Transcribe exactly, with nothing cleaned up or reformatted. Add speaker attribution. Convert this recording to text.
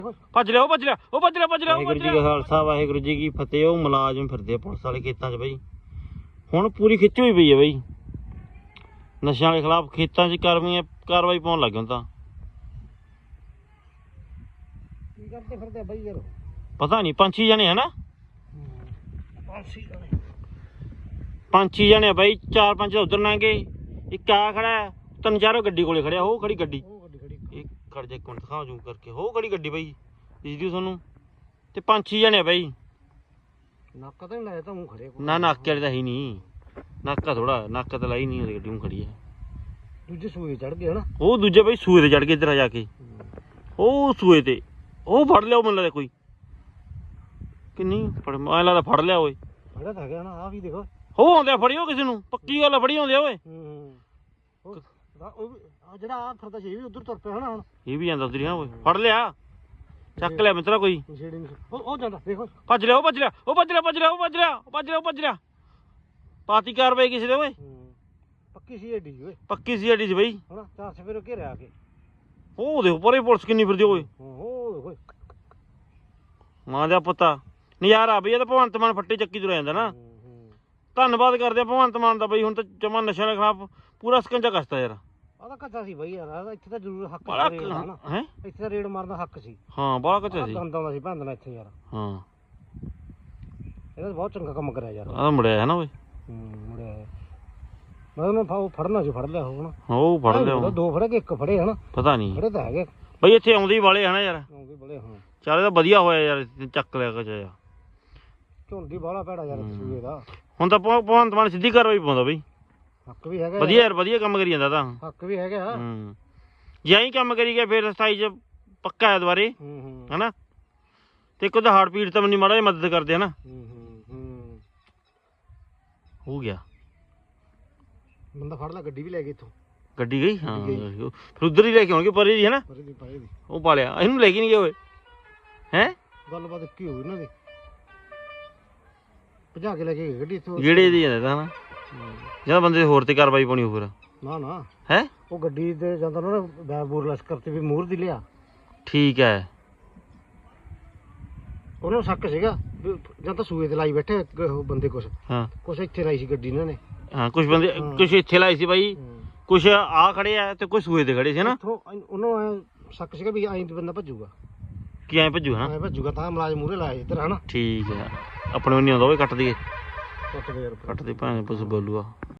Speaker 1: ਭੱਜ ਲਿਆ ਉਹ ਭੱਜ ਲਿਆ ਉਹ ਭੱਜ ਲਿਆ ਭੱਜ ਲਿਆ
Speaker 2: ਵਾਹਿਗੁਰੂ ਜੀ ਕਾ ਖਾਲਸਾ ਵਾਹਿਗੁਰੂ ਜੀ ਕੀ ਫਤਿਹ। ਉਹ ਮੁਲਾਜ਼ਮ ਫਿਰਦੇ ਆ ਪੁਲਿਸ ਵਾਲੇ ਖੇਤਾਂ 'ਚ ਬਈ, ਹੁਣ ਪੂਰੀ ਖਿੱਚ ਹੋਈ ਪਈ ਹੈ ਬਈ ਨਸ਼ਿਆਂ ਵਾਲੇ ਖਿਲਾਫ। ਖੇਤਾਂ 'ਚ ਕਾਰਵਾਈ ਕਾਰਵਾਈ ਪਾਉਣ ਲੱਗ ਗਏ ਤਾਂ
Speaker 1: ਕੀ ਕਰਦੇ ਫਿਰਦੇ ਬਈ ਯਾਰ
Speaker 2: ਪਤਾ ਨਹੀਂ। ਪੰਜ ਛੇ ਜਣੇ ਹੈ ਨਾ,
Speaker 1: ਪੰਜ ਛੇ ਜਣੇ
Speaker 2: ਪੰਜ ਛੇ ਜਣੇ ਬਈ। ਚਾਰ ਪੰਜ ਉਧਰ ਲੰਘੇ, ਇੱਕ ਆ ਖੜਾ, ਤਿੰਨ ਚਾਰੋਂ ਗੱਡੀ ਕੋਲੇ ਖੜਿਆ। ਉਹ ਖੜੀ ਗੱਡੀ,
Speaker 1: ਉਹ ਗੱਡੀ ਖੜੀ
Speaker 2: ਇਹ ਖੜ ਜਾ ਇੱਕ ਮਿੰਟ ਦਿਖਾਓ ਜੂਮ ਕਰਕੇ। ਉਹ ਖੜੀ ਗੱਡੀ ਬਈ ਦਿਸਦੀ ਤੁਹਾਨੂੰ, ਤੇ ਪੰਜ ਛੇ ਜਣੇ ਬਈ।
Speaker 1: ਨੱਕ ਤਾਂ ਨਹੀਂ ਲਾਇਆ ਤਾਂ ਉਹ ਖੜੇ
Speaker 2: ਨਾ ਨਾਕੇ ਵਾਲੇ ਤਾਂ ਹੀ ਨਹੀਂ, ਨਾਕਾ ਥੋੜਾ ਨੱਕ ਤਾਂ ਲਾਈ ਨਹੀਂ, ਉਹਦੀ ਗੱਡੀ ਨੂੰ ਖੜੀ ਹੈ।
Speaker 1: ਦੂਜੇ ਸੂਏ ਚੜ ਗਏ ਹਨਾ।
Speaker 2: ਉਹ ਦੂਜੇ ਬਈ ਸੂਏ ਤੇ ਚੜ ਕੇ ਇੱਧਰ ਆ ਜਾ ਕੇ, ਉਹ ਸੂਏ ਤੇ ਉਹ ਫੜ ਲਿਆ। ਉਹ ਮੈਨੂੰ ਲੱਗਦਾ ਕੋਈ ਕਿ ਨਹੀਂ ਫੜ, ਐਂ ਲੱਗਦਾ ਫੜ ਲਿਆ ਓਏ।
Speaker 1: ਫੜਿਆ ਤਾਂ ਗਿਆ ਨਾ, ਆ ਵੀ ਦੇਖੋ।
Speaker 2: ਉਹ ਆਉਂਦੇ ਫੜਿਓ ਕਿਸੇ ਨੂੰ, ਪੱਕੀ ਗੱਲ ਫੜੀ ਆਉਂਦੇ ਓਏ।
Speaker 1: ਹੂੰ ਉਹ ਵੀ ਜਿਹੜਾ ਆ ਫਿਰਦਾ ਸੀ ਵੀ ਉਧਰ ਤੁਰ ਪਿਆ ਹਨਾ। ਹੁਣ
Speaker 2: ਇਹ ਵੀ ਜਾਂਦਾ ਉਧਰ ਓਏ, ਫੜ ਲਿਆ, ਚੱਕ ਲਿਆ ਮਿੱਤਰਾ ਕੋਈ।
Speaker 1: ਉਹ ਉਹ ਜਾਂਦਾ ਦੇਖੋ,
Speaker 2: ਭੱਜ ਲਿਆ ਉਹ ਭੱਜ ਲਿਆ ਉਹ ਭੱਜ ਲਿਆ ਭੱਜ ਲਿਆ ਉਹ ਭੱਜ ਲਿਆ ਉਹ ਭੱਜ ਲਿਆ ਉਹ ਭੱਜ ਲਿਆ। ਪਾਤੀ ਕਾਰਵਾਈ ਕਿਸੇ ਦੇ ਓਏ,
Speaker 1: ਪੱਕੀ ਸੀ ਏਡੀ ਓਏ,
Speaker 2: ਪੱਕੀ ਸੀ ਅੱਡੀ ਚ ਬਈ
Speaker 1: ਹਨਾ। ਚਾਰ ਸਵੇਰੇ ਘੇਰਿਆ ਆ ਕੇ।
Speaker 2: ਉਹ ਦੇਖੋ ਪਰੇ ਪੁਲਿਸ ਕਿੰਨੀ ਫਿਰਦੀ ਓਏ।
Speaker 1: ਉਹ ਦੇਖੋ
Speaker 2: ਮਾਂ ਦਾ ਪੁੱਤਾ ਨਜ਼ਾਰਾ ਬਈ। ਇਹ ਤਾਂ ਭਗਵੰਤ ਮਾਨ ਫੱਟੇ ਚੱਕੀ ਤੁਰਿਆ ਜਾਂਦਾ ਨਾ। ਧੰਨਵਾਦ ਕਰਦੇ ਆ ਭਗਵੰਤ ਮਾਨ ਦਾ ਬਈ। ਹੁਣ ਤਾਂ ਜਮਾ ਨਸ਼ਿਆਂ ਦੇ ਖਿਲਾਫ ਪੂਰਾ ਸਕੰਜਾ ਕੱਸਤਾ ਯਾਰ।
Speaker 1: ਆ ਤਾਂ ਕੱਚਾ ਸੀ ਬਈ ਯਾਰ, ਇੱਥੇ ਤਾਂ ਜ਼ਰੂਰ ਹੱਕ
Speaker 2: ਬੜਾ
Speaker 1: ਸੀ ਰੇਡ ਦਾ ਨਾ।
Speaker 2: ਹੈ,
Speaker 1: ਇੱਥੇ ਤਾਂ ਰੇਡ ਮਾਰਨ ਦਾ ਹੱਕ ਸੀ।
Speaker 2: ਹਾਂ ਬੜਾ ਕੱਚਾ ਸੀ।
Speaker 1: ਗੰਦ ਆਉਂਦਾ ਸੀ ਭੰਦਣਾ ਇੱਥੇ ਯਾਰ।
Speaker 2: ਹਾਂ
Speaker 1: ਇਹਦਾ ਬਹੁਤ ਚੰਗਾ ਕੰਮ ਕਰਿਆ ਯਾਰ।
Speaker 2: ਆ ਮੁੜਿਆ ਹੈ ਨਾ ਓਏ।
Speaker 1: ਹੂੰ ਮੁੜਿਆ ਮੈਂ ਉਹਨੂੰ ਫੜਨਾ ਸੀ, ਫੜ ਲਿਆ ਹੁਣ।
Speaker 2: ਉਹ ਫੜ ਲਿਆ,
Speaker 1: ਦੋ ਫੜੇ ਕਿ ਇੱਕ ਫੜੇ ਹਨਾ,
Speaker 2: ਪਤਾ ਨਹੀਂ
Speaker 1: ਫੜੇ ਤਾਂ ਹੈਗੇ।
Speaker 2: ਬਈ ਇੱਥੇ ਆਉਂਦੇ ਹੀ ਵਾਲੇ ਹਨਾ ਯਾਰ।
Speaker 1: ਆਉਂਦੇ ਬੜੇ ਹਾਂ।
Speaker 2: ਚੱਲ ਇਹ ਤਾਂ ਵਧੀਆ ਹੋਇਆ ਯਾਰ, ਚੱਕ ਲਿਆ ਕੁਝ ਯਾਰ।
Speaker 1: ਝੁੰਡੀ ਬਾਹਲਾ ਭੈੜਾ ਯਾਰ ਸੂਏ ਦਾ।
Speaker 2: ਹੁਣ ਤਾਂ ਭਗ- ਭਗਵੰਤ ਮਾਨ ਸਿੱਧੀ ਕਾਰਵਾਈ ਪਾਉਂਦਾ ਬਈ।
Speaker 1: ਹੱਕ ਵੀ ਹੈਗਾ
Speaker 2: ਵਧੀਆ ਯਾਰ, ਵਧੀਆ ਕੰਮ ਕਰੀ ਜਾਂਦਾ ਤਾਂ।
Speaker 1: ਹੱਕ ਵੀ ਹੈਗਾ।
Speaker 2: ਹੂੰ ਜੇ ਐਂ ਕੰਮ ਕਰੀ ਗਿਆ ਫਿਰ ਸਤਾਈ ਚ ਪੱਕਾ ਹੈ ਦੁਬਾਰੇ
Speaker 1: ਹੂੰ ਹੂੰ
Speaker 2: ਹਨਾ। ਤੇ ਇੱਕ ਉਹਦਾ ਹਾਰਟ ਪੀਟ ਤਾਂ ਮੈਨੂੰ ਮਾੜਾ ਜਿਹਾ ਮਦਦ ਕਰਦੇ ਹਨਾ।
Speaker 1: ਹੂੰ ਹੂੰ ਹੂੰ
Speaker 2: ਹੋ ਗਿਆ,
Speaker 1: ਬੰਦਾ ਫੜ ਲੈ, ਗੱਡੀ ਵੀ ਲੈ ਗਏ ਇੱਥੋਂ।
Speaker 2: ਗੱਡੀ ਗਈ ਹਾਂ। ਫਿਰ ਉਧਰ ਹੀ ਲੈ ਕੇ ਆਉਣਗੇ ਪਰੇ ਦੀ ਹਨਾ।
Speaker 1: ਪਰੇ ਦੀ ਪਰੇ ਦੀ
Speaker 2: ਉਹ ਪਾਲਿਆ, ਇਹਨੂੰ ਲੈ ਕੇ ਨਹੀਂ ਗਏ ਓਏ। ਹੈ
Speaker 1: ਗੱਲਬਾਤ ਕੀ ਹੋਈ ਇਹਨਾਂ ਦੀ, ਭਜਾ ਕੇ ਲੈ ਕੇ ਗਏ ਗੱਡੀ ਇੱਥੋਂ।
Speaker 2: ਜਿਹੜੇ ਦੀ ਜਾਂਦਾ ਤਾਂ ਹਨਾ, ਜਦੋਂ ਬੰਦੇ ਹੋਰ ਤੇ ਕਾਰਵਾਈ ਪਾਉਣੀ ਹੋ ਫਿਰ।
Speaker 1: ਨਾ ਨਾ
Speaker 2: ਹੈ
Speaker 1: ਉਹ ਗੱਡੀ ਤੇ ਜਾਂਦਾ ਨਾ ਬੈਰ ਬੂਰ ਲਸ਼ਕਰ ਤੇ ਵੀ ਮੂਹਰ ਦੀ ਲਿਆ।
Speaker 2: ਠੀਕ ਹੈ।
Speaker 1: ਉਹਨੂੰ ਸ਼ੱਕ ਸੀਗਾ ਵੀ ਜਾਂ ਤਾਂ ਸੂਏ ਤੇ ਲਾਈ ਬੈਠੇ ਉਹ ਬੰਦੇ, ਕੁਛ
Speaker 2: ਹਾਂ
Speaker 1: ਕੁਛ ਇੱਥੇ ਲਾਈ ਸੀ ਗੱਡੀ ਇਹਨਾਂ ਨੇ।
Speaker 2: ਹਾਂ ਕੁਝ ਬੰਦੇ ਕੁਝ ਇੱਥੇ ਲਾਏ ਸੀ ਬਾਈ, ਕੁਝ ਆ ਖੜੇ ਆ ਤੇ ਕੁਝ ਸੂਏ ਤੇ ਖੜੇ ਸੀ ਹਨਾ।
Speaker 1: ਇੱਥੋਂ ਉਹਨੂੰ ਐ ਸ਼ੱਕ ਸੀਗਾ ਵੀ ਐਂ ਬੰਦਾ ਭੱਜੂਗਾ,
Speaker 2: ਕੀ ਐਂ ਭੱਜੂ ਹਨਾ।
Speaker 1: ਐਂ ਭੱਜੂਗਾ ਤਾਂ ਮੁਲਾਜ਼ਮ ਮੂਹਰੇ ਲਾਇਆ ਇੱਧਰ ਹਨਾ।
Speaker 2: ਠੀਕ ਹੈ, ਆਪਣੇ ਨੂੰ ਨਹੀਂ ਆਉਂਦਾ ਓਏ। ਕੱਟ ਦਈਏ,
Speaker 1: ਕੱਟ ਦੇ ਯਾਰ।
Speaker 2: ਕੱਟ ਦੇ ਭਾਵੇਂ ਪੁੱਛ ਬੋਲੂਆ।